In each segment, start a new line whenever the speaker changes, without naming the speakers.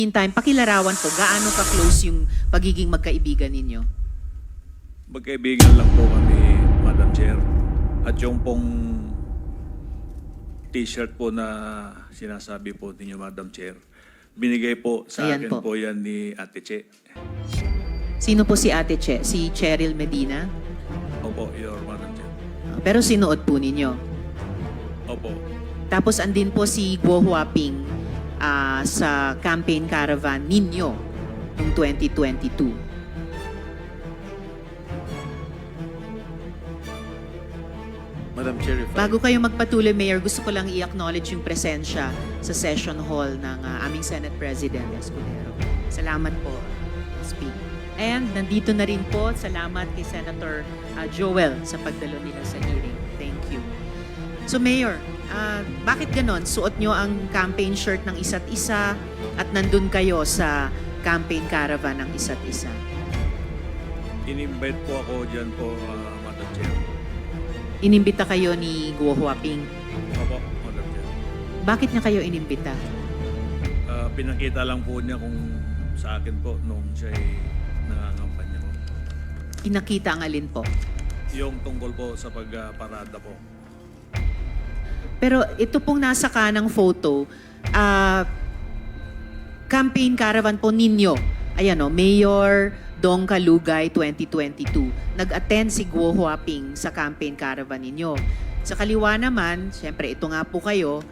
Meantime, pakilarawan po, gaano ka-close yung pagiging magkaibigan ninyo?
Magkaibigan lang po kami, Madam Chair. At yung pong t-shirt po na sinasabi po ninyo, Madam Chair, binigay po sa
Ayan
akin
po.
po yan ni Ate Che.
Sino po si Ate Che? Si Cheryl Medina?
Opo, Your Madam Chair.
Pero sinuot po ninyo.
Opo.
Tapos andin po si Guo Huaping sa campaign caravan ninyo noong 2022.
Madam Chair, if
Bago kayo magpatuloy, Mayor, gusto ko lang i-acknowledge yung presensya sa session hall ng aming Senate President Escudero. Salamat po, SP. And nandito na rin po, salamat kay Senator Joel sa pagdalo nila sa hearing. Thank you. So Mayor, bakit ganon? Suot nyo ang campaign shirt ng isa't isa at nandun kayo sa campaign caravan ng isa't isa.
In-invite po ako dyan po, Madam Chair.
Inimbita kayo ni Guo Huaping.
Opo, Madam Chair.
Bakit niya kayo inimbita?
Pinakita lang po niya kung sa akin po nung siya ay nangangampanya po.
Pinakita ang alin po?
Yung tungkol po sa pagparada po.
Pero ito pong nasa kanang photo, campaign caravan po ninyo. Ayan o, Mayor Dong Kalugay 2022. Nag-attend si Guo Huaping sa campaign caravan ninyo. Sa kaliwa naman, syempre ito nga po kayo,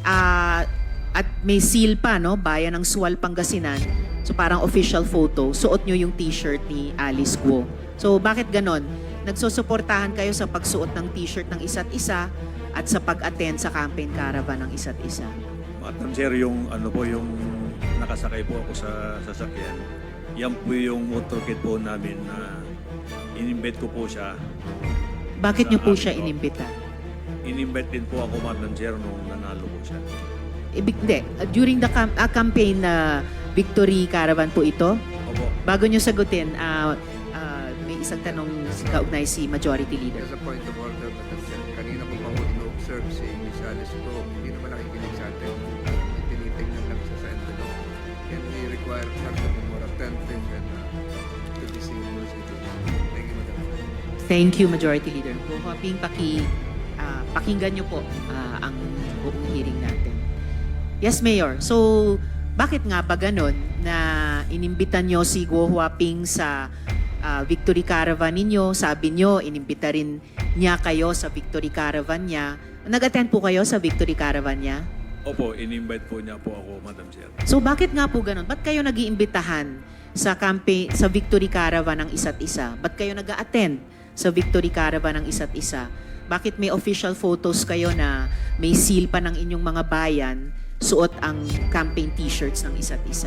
at may seal pa, no? Bayan ng Sual, Pangasinan. So parang official photo, suot nyo yung t-shirt ni Alice Guo. So bakit ganon? Nagsusuportahan kayo sa pagsuot ng t-shirt ng isa't isa at sa pag-attend sa campaign caravan ng isa't isa.
Madam Chair, yung ano po, yung nakasakay po ako sa sasakyan, yan po yung motorcade po namin na in-invite ko po siya.
Bakit
Sa
nyo po
amin
siya
po.
inimbita?
In-invite din po ako, Madam Chair, nung nanalo po siya.
Hindi. During the campaign na victory caravan po ito,
Opo.
bago nyo sagutin, may isang tanong kaugnay si Majority Leader.
As a point of order, Madam Chair, kanina ko pa ho ino-observe si Ms. Alice Pro, hindi naman nakikinig sa atin. Tinitingnan lang siya sa envelope. Can we require her to be more attentive and to listen to those details? Thank you, Madam Chair.
Thank you, Majority Leader. Guo Huaping, pakinggan nyo po ang buong hearing natin. Yes, Mayor. So, bakit nga ba ganon na inimbitan nyo si Guo Huaping sa Victory Caravan ninyo? Sabi nyo, inimbita rin niya kayo sa Victory Caravan niya. Nag-attend po kayo sa Victory Caravan niya?
Opo, in-invite po niya po ako, Madam Chair.
So, bakit nga po ganon? Ba't kayo nag-iimbitahan sa campaign, sa Victory Caravan ng isa't isa? Ba't kayo nag-attend sa Victory Caravan ng isa't isa? Bakit may official photos kayo na may seal pa ng inyong mga bayan, suot ang campaign t-shirts ng isa't isa?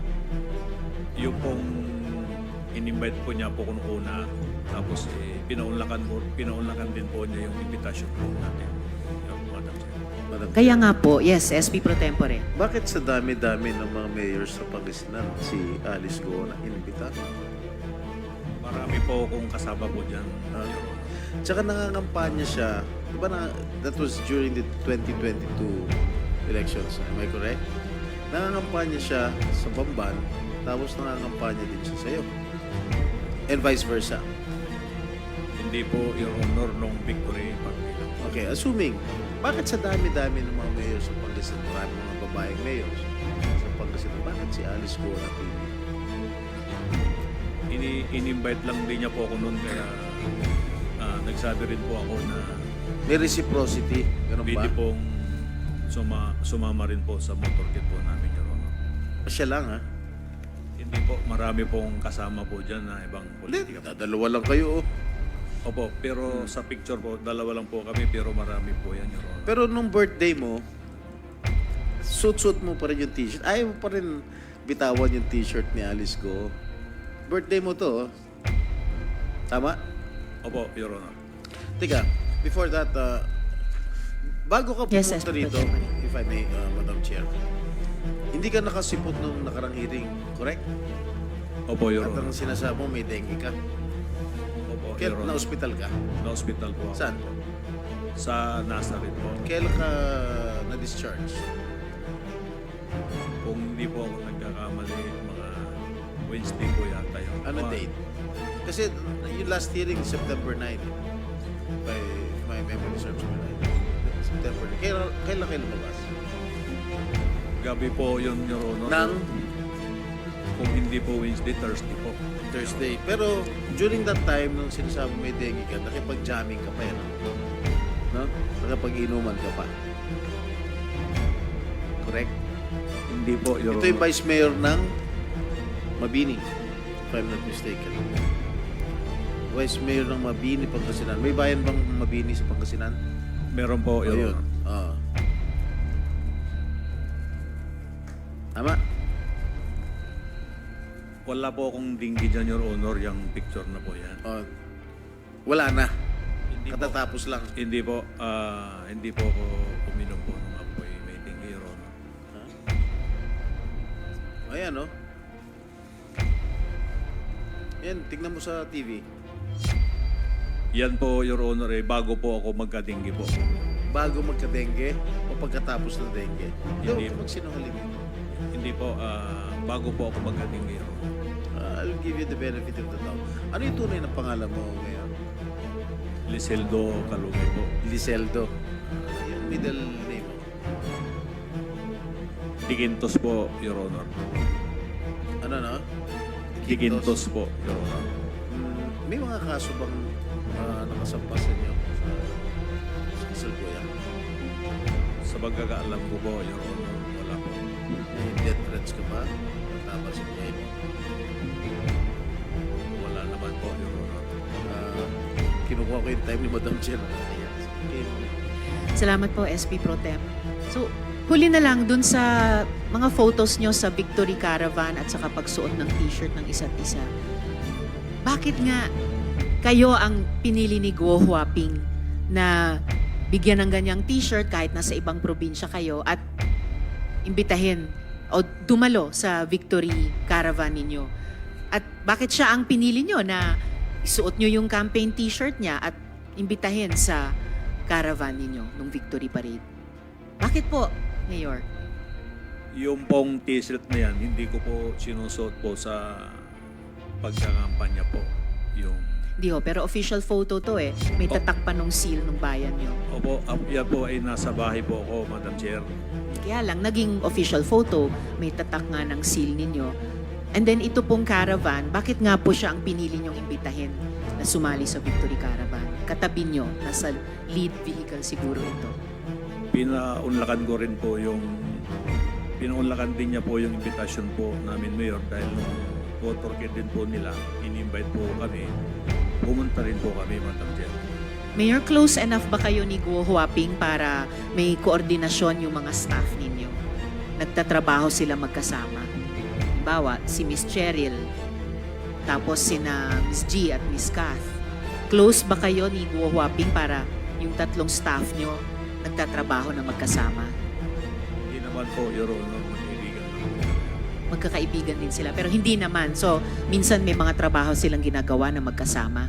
Yung pong in-invite po niya po kung una, tapos pinaunlakan din po niya yung invitation po natin. Yung Madam Chair.
Madam
Kaya
Chair,
nga po, yes, SP Pro Tempore.
bakit sa dami-dami ng mga mayors sa Pangasinan si Alice Go na inimbita?
Marami po akong kasama po dyan. Your Honor.
Tsaka nangangampanya siya, di ba na, that was during the 2022 elections, am I correct? Nangangampanya siya sa Bamban, tapos nangangampanya din siya sa'yo. And vice versa.
Hindi po, Your Honor, nung victory party.
Okay, assuming, bakit sa dami-dami ng mga mayors sa Pangasinan, marami mga babaeng mayors sa Pangasinan, bakit si Alice Go na pili?
In-invite lang din niya po ako noon, kaya nagsabi rin po ako na
May reciprocity, ganun ba?
pwede pong sumama rin po sa motorcade po namin, Your Honor.
Siya lang, ha?
Hindi po, marami pong kasama po dyan na ibang politika po.
Dalawa lang kayo, oh.
Opo, pero sa picture po, dalawa lang po kami, pero marami po yan, Your Honor.
Pero nung birthday mo, suit-suit mo pa rin yung t-shirt. Ayaw mo pa rin bitawan yung t-shirt ni Alice Go. Birthday mo to, oh. Tama?
Opo, Your Honor.
Teka, before that, bago ka
Yes,
pumunta
yes,
rito,
Madam
if I may, Madam Chair, hindi ka nakasipot nung nakarang hearing, correct?
Opo, Your
At ang
Honor.
sinasabi mo, may dengue ka.
Opo,
Kaya
Your Honor.
na-hospital ka.
Na-hospital po ako.
Saan?
Sa Nazareth po.
Kailan ka na-discharge?
Kung hindi po ako nagkakamali, Wednesday po yata yun.
Ano date? Kasi yung last hearing, September 9. If my memory serves me right. September 9. Kailan kayo lumabas?
Gabi po yun, Your Honor.
Nang
Kung hindi po Wednesday, Thursday po.
Thursday. Pero during that time, nung sinasabi may dengue ka, nakipag-jamming ka pa yan. No? Nakipag-inuman ka pa. Correct?
Hindi po, Your
Ito yung
Honor.
Vice Mayor ng Mabini, if I'm not mistaken. Vice Mayor ng Mabini, Pangasinan. May bayan bang Mabini sa Pangasinan?
Meron po, Your
Ayun.
Honor.
Oo. Tama?
Wala po akong dinggi dyan, Your Honor, yung picture na po yan.
Wala na.
Hindi po,
Katatapos lang.
hindi po ako uminom po nung ako ay may dinggi, Your Honor.
Ayan, oh. Yan, tignan mo sa TV.
Yan po, Your Honor, bago po ako magka-dinggi po.
Bago magka-dengue o pagkatapos ng dengue.
Hindi.
Hindi magsinungaling.
Hindi po, bago po ako magka-dinggi, Your Honor.
I'll give you the benefit of the doubt. Ano yung tunay na pangalan mo ngayon?
Liseldo Calugay po.
Liseldo. Yung middle name mo.
Digintos po, Your Honor.
Ano na?
Digintos po, Your Honor.
May mga kaso bang nakasampas sa inyo sa kasalukuyang?
Sa pagkakaalam ko po, Your Honor, wala po.
May death threats ka ba? Tama sa buhay mo.
Wala naman po, Your Honor.
Kinukuha ko yung time ni Madam Chair. Ayan. Okay.
Salamat po, SP Pro Tem. So, huli na lang dun sa mga photos nyo sa Victory Caravan at saka pagsuot ng t-shirt ng isa't isa. Bakit nga kayo ang pinili ni Guo Huaping na bigyan ng ganyang t-shirt kahit nasa ibang probinsya kayo at imbitahin o dumalo sa Victory Caravan ninyo? At bakit siya ang pinili nyo na isuot nyo yung campaign t-shirt niya at imbitahin sa caravan ninyo nung Victory Parade? Bakit po, Mayor?
Yung pong t-shirt na yan, hindi ko po sinusuot po sa pagkakampanya po. Yung,
Di ho, pero official photo to eh. May tatak pa nung seal nung bayan nyo.
opo, yan po ay nasa bahay po ako, Madam Chair.
Kaya lang, naging official photo, may tatak nga ng seal ninyo. And then ito pong caravan, bakit nga po siya ang pinili nyong imbitahin na sumali sa Victory Caravan? Katabi nyo, nasa lead vehicle siguro ito.
Pinaunlakan ko rin po pinaunlakan din niya po yung invitation po namin, Mayor, dahil nung motorcade din po nila, in-invite po kami. Pumunta rin po kami, Madam Chair.
Mayor, close enough ba kayo ni Guo Huaping para may koordinasyon yung mga staff ninyo? Nagtatrabaho sila magkasama. Halimbawa, si Miss Cheryl, tapos sina Miss G at Miss Kath. Close ba kayo ni Guo Huaping para yung tatlong staff nyo nagtatrabaho na magkasama?
Hindi naman po, Your Honor, magkaibigan lang.
Magkakaibigan din sila, pero hindi naman. So, minsan may mga trabaho silang ginagawa na magkasama.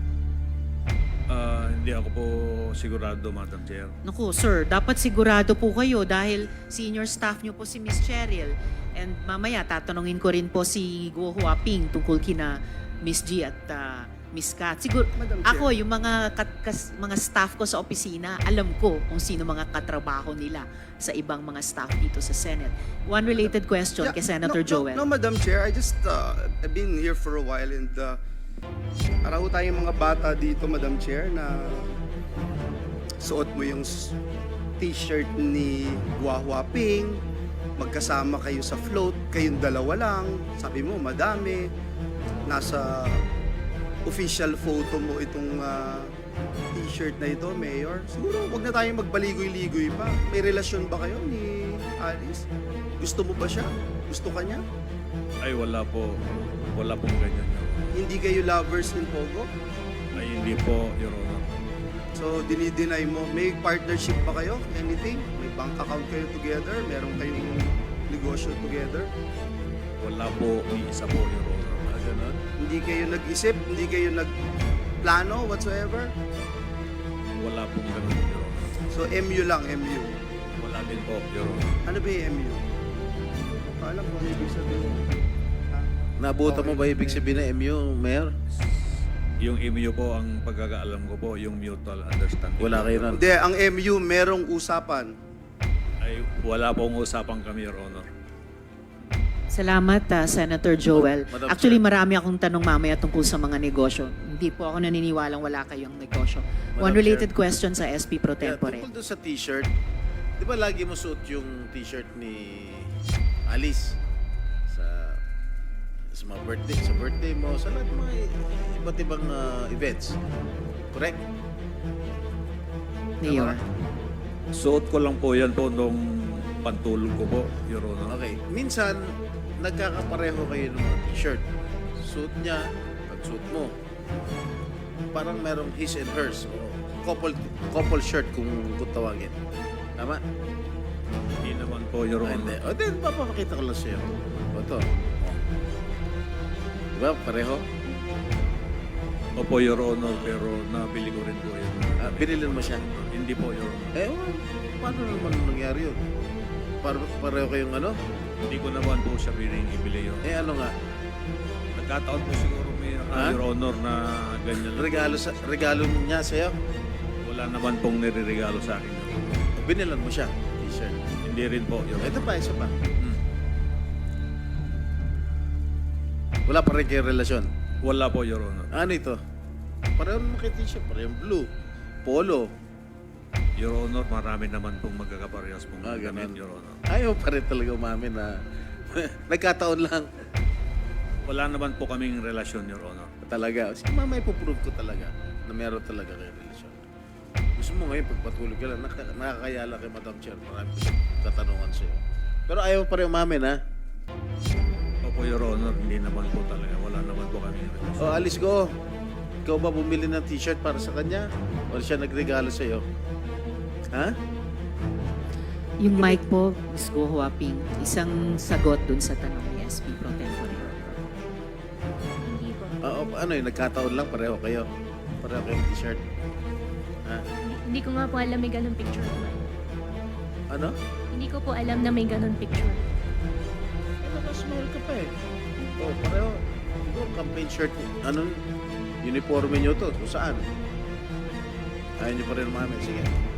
Hindi ako po sigurado, Madam Chair.
Naku, sir, dapat sigurado po kayo dahil senior staff nyo po si Miss Cheryl. And mamaya, tatanungin ko rin po si Guo Huaping tungkol kina Miss G at Miss Kat. Siguro,
Madam Chair.
ako, yung mga staff ko sa opisina, alam ko kung sino mga katrabaho nila sa ibang mga staff dito sa Senate. One related question kay Senator Joel.
No, Madam Chair, I just I've been here for a while and araw tayong mga bata dito, Madam Chair, na suot mo yung t-shirt ni Guo Huaping, magkasama kayo sa float, kayong dalawa lang, sabi mo madami, nasa official photo mo itong t-shirt na ito, Mayor. Siguro wag na tayong magbaligoy-ligoy pa. May relasyon ba kayo ni Alice? Gusto mo ba siya? Gusto ka niya?
Ay, wala po. Wala pong ganyan, Your Honor.
Hindi kayo lovers in Pogo?
Ay, hindi po, Your Honor.
So, dinideny mo. May partnership ba kayo? Anything? May bank account kayo together? Meron kayong negosyo together?
Wala po, ni isa po, Your Honor.
Ganon.
Hindi kayo nag-isip? Hindi kayo nagplano whatsoever?
Wala pong ganun, Your Honor.
So, MU lang, MU.
Wala din po, Your Honor.
Ano ba yung MU? Alam ko ano ibig sabihin. Ha?
Naabutan mo ba ibig sabihin ng MU, Mayor?
Yung MU po, ang pagkakaalam ko po, yung mutual understanding.
Wala kayo nun.
Hindi, ang MU merong usapan.
Ay, wala pong usapan kami, Your Honor.
Salamat, Senator Joel.
Madam
Actually,
Chair.
marami akong tanong mamaya tungkol sa mga negosyo. Hindi po ako naniniwalang wala kayong negosyo. One
Madam
related
Chair.
question sa SP Pro
Yeah,
Tempore.
tungkol doon sa t-shirt, di ba lagi mo suot yung t-shirt ni Alice sa mga birthday mo, sa lahat ng mga iba't ibang events. Correct?
Mayor.
Suot ko lang po yan po nung pantulog ko po, Your Honor.
Okay. Minsan, nagkakapareho kayo ng mga t-shirt. Suot niya, pag-suot mo. Parang merong his and hers. O couple shirt kung tawagin. Tama?
Hindi naman po, Your
Ah, hindi.
Honor.
O, then, papapakita ko lang sa'yo. O, ito. O. Diba? Pareho?
Opo, Your Honor, pero nabili ko rin po yun.
Binilin mo siya.
Hindi po, Your Honor.
Eh, paano naman nangyari yun? Pareho kayong ano?
Hindi ko naman po siya piling ibili yun.
Eh, ano nga?
Nagkataon po siguro,
Ha?
Your Honor, na ganyan lang.
Regalo niya sa'yo?
Wala naman pong nireregalo sa akin, Your Honor.
Binilan mo siya. T-shirt.
Hindi rin po, Your Honor.
Ito pa, isa pa.
Hmm.
Wala pa rin kayong relasyon.
Wala po, Your Honor.
Ano ito? Pareho naman kayo t-shirt. Parehong blue. Polo.
Your Honor, marami naman pong magkakaparehas pong
Ah,
damit,
ganun.
Your Honor.
Ayaw pa rin talaga umamin na nagkataon lang.
Wala naman po kaming relasyon, Your Honor.
Talaga. Sige, mama, ipuprove ko talaga na meron talaga kayong relasyon. Gusto mo ngayon, pagpatulog ka lang, nakakayala kay Madam Chair. Marami ko siyang katanungan sa'yo. Pero ayaw pa rin umamin, ha?
Opo, Your Honor, hindi naman po talaga. Wala naman po kaming relasyon.
O, alis ko. Ikaw ba bumili ng t-shirt para sa kanya? O siya nagregalo sa'yo? Ha?
Yung mic po, Ms. Go Huaping, isang sagot dun sa tanong ni SP Pro Tempore.
Hindi po.
Ano yun, nagkataon lang, pareho kayo. Pareho kayong t-shirt. Ha?
Hindi ko nga po alam may ganun picture po.
Ano?
Hindi ko po alam na may ganun picture.
Ano, mas mahal ka pa eh. O, pareho. Siguro, campaign shirt. Ano? Uniforme nyo to. Kung saan? Ayaw nyo pa rin umamin. Sige.